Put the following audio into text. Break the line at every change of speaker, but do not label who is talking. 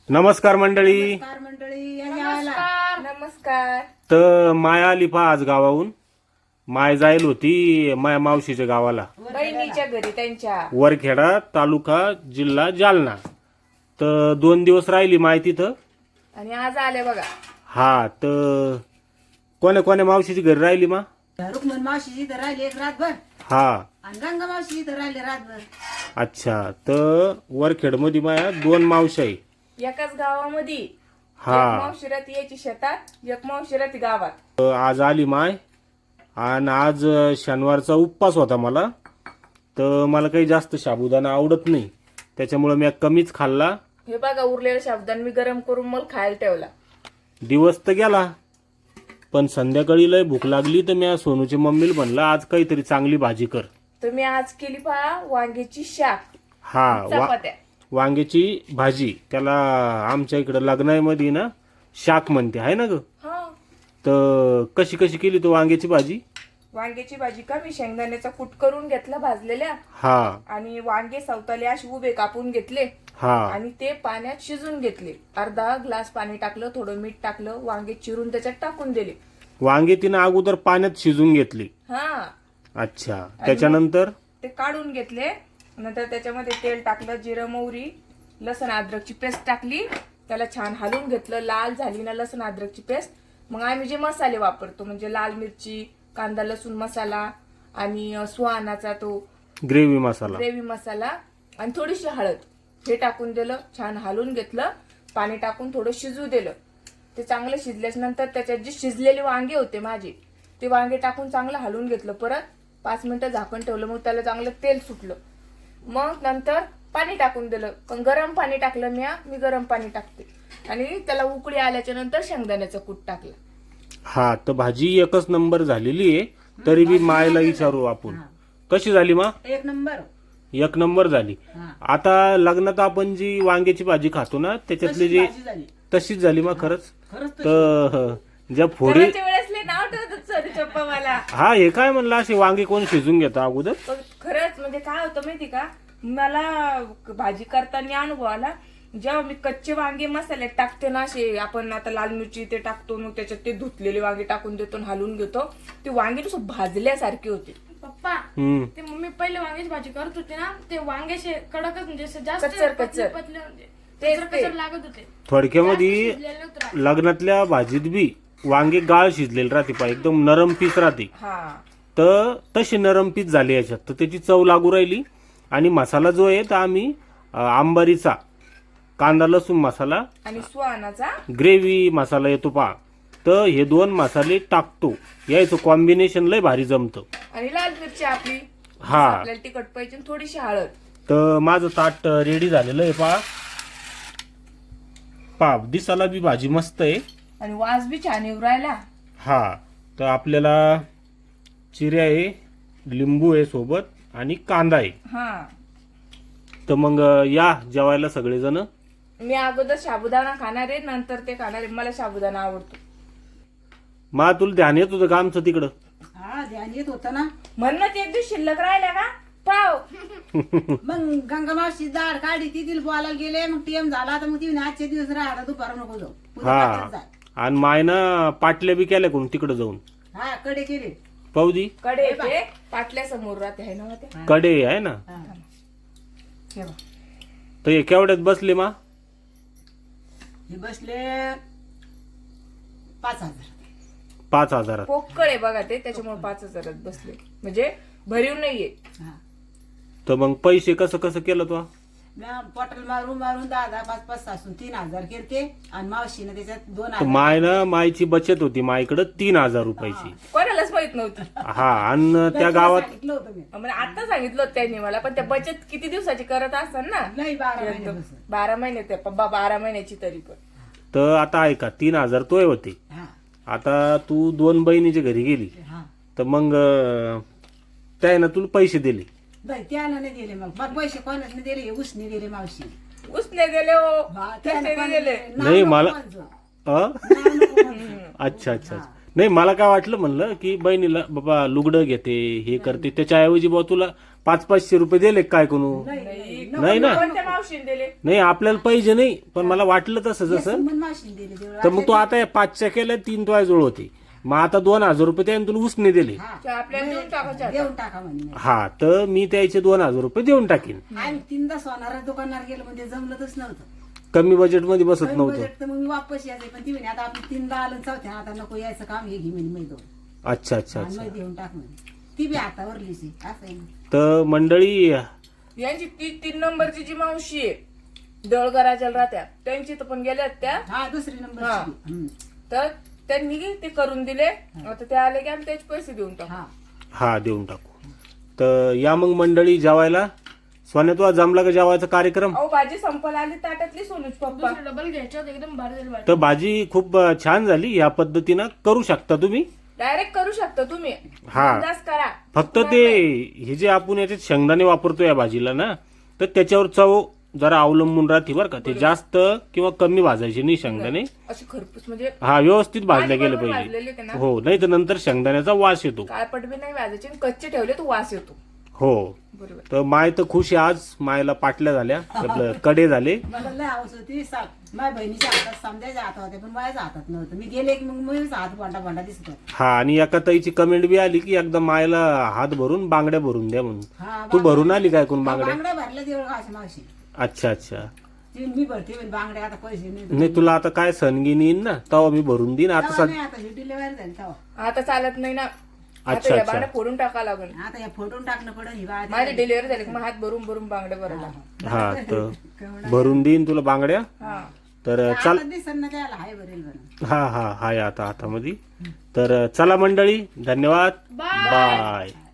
नमस्कार मंडळी.
नमस्कार मंडळी, या जेवायला.
नमस्कार.
तर माया आली पहा आज गावाहून. माय जाईल होती माया मावशीच्या गावाला,
बहिणीच्या घरी त्यांच्या.
वरखेडा तालुका जिल्हा जालना. तर 2 दिवस राहिली माय तिथं.
आणि आज आले बघा.
हा, तर कोण्या कोण्या मावशीची घरी राहिली मा?
रुक्मन मावशी इथं राहिली एक रातभर
हा,
आणि गंगा मावशी इथं राहिली रातभर.
अच्छा. तर वरखेड मध्ये माया 2 मावशी आहे.
एकाच गावामध्ये.
हा.
एक मावशी राहती याची शेतात, एक मावशी राहती गावात.
तर आज आली माय, आणि आज शनिवारचा उपवास होता मला. तर मला काही जास्त साबुदाणा आवडत नाही, त्याच्यामुळे मी कमीच खाल्ला.
हे बघा उरलेल्या शब्दांनी मी गरम करून मला खायला ठेवला.
दिवस तर गेला, पण संध्याकाळी लय भूक लागली. तर मी सोनूच्या मम्मीला म्हणलं आज काहीतरी चांगली भाजी कर.
तर मी आज केली पहा वांग्याची शाक,
हा,
चपात्या.
वांग्याची भाजी. त्याला आमच्या इकडे लग्नामध्ये ना शाक म्हणते, आहे ना ग?
हा.
तर कशी कशी केली तू वांग्याची भाजी?
वांग्याची भाजी का मी शेंगदाण्याचा कूट करून घेतला भाजलेल्या,
हा
आणि वांगे सवताले असे उभे कापून घेतले,
हा
आणि ते पाण्यात शिजून घेतले. अर्धा ग्लास पाणी टाकलं, थोडं मीठ टाकलं, वांगे चिरून त्याच्यात टाकून दिले.
वांगे तिनं अगोदर पाण्यात शिजून घेतली.
हा.
अच्छा. त्याच्यानंतर
ते काढून घेतले. नंतर त्याच्यामध्ये तेल टाकलं, जिरं मोहरी, लसण अद्रकची पेस्ट टाकली. त्याला छान हलवून घेतलं. लाल झाली ना लसण अद्रकची पेस्ट, मग आम्ही जे मसाले वापरतो म्हणजे लाल मिरची, कांदा लसूण मसाला, आणि सुहानाचा तो
ग्रेव्ही मसाला,
ग्रेव्ही मसाला, आणि थोडीशी हळद, हे टाकून दिलं. छान हलवून घेतलं. पाणी टाकून थोडं शिजू दिलं. ते चांगलं शिजल्याच्या नंतर त्याच्यात जे शिजलेले वांगे होते माझे, ते वांगे टाकून चांगलं हलवून घेतलं. परत 5 मिनिटं झाकण ठेवलं. मग त्याला चांगलं तेल सुटलं. मग नंतर पाणी टाकून दिलं, पण गरम पाणी टाकलं. मी गरम पाणी टाकते. आणि त्याला उकळी आल्याच्या नंतर शेंगदाण्याचं कूट टाकलं.
हा. तर भाजी एकच नंबर झालेली आहे. तरी बी मायला विचारू आपण, कशी झाली मा?
एक नंबर.
1 नंबर झाली.
हा.
आता लग्नात आपण जी वांग्याची भाजी खातो ना, त्याच्यातली
तशी
जी
भाजी झाली.
तशीच झाली मा खरंच.
खरंच तशी.
तर ज्या फोडी,
करायच्या वेळेस लय नाव ठेवतात सॉरी चप्पा मला.
हा हे काय म्हणलं, असे वांगे कोण शिजून घेता अगोदर?
पण खरंच म्हणजे काय होतं माहिती का, मला भाजी करताना अनुभव आला. जेव्हा मी कच्चे वांगे मसाल्यात टाकते ना, असे आपण आता लाल मिरची ते टाकतो, मग त्याच्यात ते धुतलेले वांगे टाकून देतो आणि हलवून घेतो, ते वांगे नुसतं भाजल्यासारखे होते.
पप्पा,
हम्म.
ते मम्मी पहिले वांग्याची भाजी करत होते ना, ते वांग्याचे कडकच म्हणजे असं जास्त
कच्चर,
पतले
कच्चर.
पतले म्हणजे
तेच
कचर
ते.
कचर लागत होते.
थोडक्यामध्ये
शिजलेले नव्हते राहत.
लग्नातल्या भाजीत बी वांगे गाळ शिजलेले राहते पा, एकदम नरम पीस राहते.
हा.
तर तशी नरम पीस झाली याच्यात. तर त्याची चव लागू राहिली. आणि मसाला जो आहे तर आम्ही आंबारीचा कांदा लसूण मसाला,
आणि सुहानाचा
ग्रेव्ही मसाला येतो पा, तर हे 2 मसाले टाकतो. यायचं कॉम्बिनेशन लय भारी जमतं.
आणि लाल मिरची आपली,
हा.
आपल्याला तिखट पाहिजे, आणि थोडीशी हळद.
तर माझं ताट रेडी झालेलं आहे पा. पा दिसाला बी भाजी मस्त आहे.
आणि वास बी छान येऊ राहिला.
हा. तर आपल्याला चिऱ्या आहे, लिंबू आहे सोबत, आणि कांदा आहे.
हा.
तर मग या जेवायला सगळेजण.
मी अगोदर साबुदाणा खाणार आहे, नंतर ते खाणार आहे. मला साबुदाणा आवडतो.
मा तुला ध्यान येत होतं का आमचं तिकडं?
हा, ध्यान येत होतं ना.
म्हणूनच एक दिवस शिल्लक राहिल्या का पाव.
मग गंगा मावशी दाढ काढली, ती तिला बोलायला गेले. मग टीएम झाला तर मग ती आजचे दिवस राहा, दुपार नको जाऊ, उद्या
हा.
रात्रीच जाय.
आणि मायनं पाटल्या बी केल्या कोण तिकडं जाऊन
हा, कडे केले.
पाहुदी
कडे ते पाटल्या समोर राहते आहे ना ते.
कडे आहे ना.
हा.
हे बघ.
तर हे केवढ्यात बसले मा?
हे बसले 5,000.
5,000.
पोकळ आहे बघा ते, त्याच्यामुळे 5,000 बसले, म्हणजे भरीव नाहीये.
हा.
तर मग पैसे कसं कसं केलं तू?
बॉटल मारून मारून 10,000, 5,500 सासून 3,000 केलते. आणि मावशीनं त्याच्यात
तर
2,000.
मायनं मायची बचत होती मायकडं 3,000 रुपयाची.
कोणालाच माहित नव्हती.
हा. आणि त्या गावात
सांगितलं होतं मी.
म्हणजे आता सांगितलं होतं त्यांनी मला, पण त्या बचत किती दिवसाची करत असतात ना.
नाही, 12 महिन्यापासून.
12 महिने ते पप्पा 12 महिन्याची तरी पण.
तर आता ऐका, 3,000 तोय होते.
हा.
आता तू 2 बहिणीच्या घरी गेली,
हा.
तर मग त्यानं तुला पैसे दिले.
नाही, त्यानं नाही दिले. मग पैसे कोणाच नाही दिले, उसने दिले मावशी.
उसने दिले हो,
हा,
त्याने
त्यानं
दिले.
नाव
नाही,
नको
मला-
म्हणजो.
अ?
नाव नको म्हणजो.
अच्छा अच्छा अच्छा. नाही, मला काय वाटलं म्हणलं की बहिणीला बाबा लुगडं घेते हे करते, त्याच्याऐवजी बाबा तुला 500-500 रुपये दिले काय कोणू नाही ना
कोणत्या मावशीने दिले?
नाही आपल्याला पाहिजे नाही पण मला वाटलं तसं जसं
सुमन मावशीने दिले देवळा.
तर मग तू आता 5च्या केल्या 3 तुझ्याजवळ होते मग आता 2000 रुपये त्याने तुला उसने दिले
ते आपल्याला देऊन टाकायचे आता.
देऊन टाका म्हणे
हा तर मी त्याचे 2000 रुपये देऊन टाकीन
आम्ही 3दा सोनारा दुकानावर गेलो म्हणजे जमलंच नव्हतं
कमी बजेट मध्ये बसत नव्हतं
बजेट तर मग मी वापस यायचं पण ती म्हणे आता आपण 3दा आलं चौथ्या आता नको यायचं काम हे घे म्हणे मैदो
अच्छा अच्छा
आणि
अच्छा
मै देऊन टाक म्हणे ती बी हातावरलीच आहे असं आहे ना.
तर मंडळी
यांची ती 3 नंबरची जी मावशी आहे दळगराच्या राहत्या त्यांची तर पण गेल्यात त्या
हा दुसरी नंबर
हा. तर त्यांनी ते करून दिले आता ते आले की आम्ही त्याचे पैसे देऊन टाकू.
हा
हा देऊन टाकू तर या मग मंडळी जेवायला सोन्या तुला जमला का जेवायचा कार्यक्रम
अहो भाजी संपायला आली ताटातली सोनूच पप्पा.
दुसरं डबल घ्यायचं होतं, एकदम भारी झाली भाजी.
तर भाजी खूप छान झाली या पद्धतीनं करू शकता तुम्ही
डायरेक्ट करू शकता तुम्ही
हा.
बिनधास्त करा.
फक्त ते हे जे आपण याच्यात शेंगदाणे वापरतो या भाजीला ना तर त्याच्यावर चव जरा अवलंबून राहते बरं का ते जास्त किंवा कमी भाजायचे नाही शेंगदाणे
अशी खरपूस म्हणजे
हा व्यवस्थित भाजले गेले
बरोबर
पाहिजे
भाजलेले ते ना.
हो नाही तर नंतर शेंगदाण्याचा वास येतो
काळपट बी नाही भाजायचे आणि कच्चे ठेवले तर वास येतो.
हो
बरोबर.
तर माय तर खुश आहे आज मायला पाटल्या झाल्या आपलं कडे झाले
मला लय हवस होती माझ्या बहिणीच्या हातात समजायच्या हातात होते पण माझ्या हातात नव्हतं मी गेले की मग मी हात भांडा भांडा दिसत होता.
हा आणि एका ताईची कमेंट बी आली की एकदा मायला हात भरून बांगड्या भरून द्या म्हणून
हा
तू भरून आली काय कोण बांगड्या
बांगड्या भरल्या देवळ घाशी मावशी
अच्छा अच्छा
ती मी भरते म्हणे बांगड्या आता पैसे नाही
नाही तुला आता काय सणगिनी येईन ना तेव्हा मी भरून देईन आता
तेव्हा नाही आता ही डिलिव्हरी झाली तेव्हा
आता चालत नाही ना.
अच्छा,
आता या
अच्छा.
बांगड्या फोडून टाका लागेल.
आता या फोटोन टाकणं पडेल ही बाळा
माझी डिलिव्हरी झाली की मग हात भरून भरून बांगड्या भरायला.
हा तर भरून देईन तुला बांगड्या
हा
तर चाल
दिसत ना त्याला हाय भरेल बरं
हा हा हाय आता हातामध्ये तर चला मंडळी धन्यवाद बाय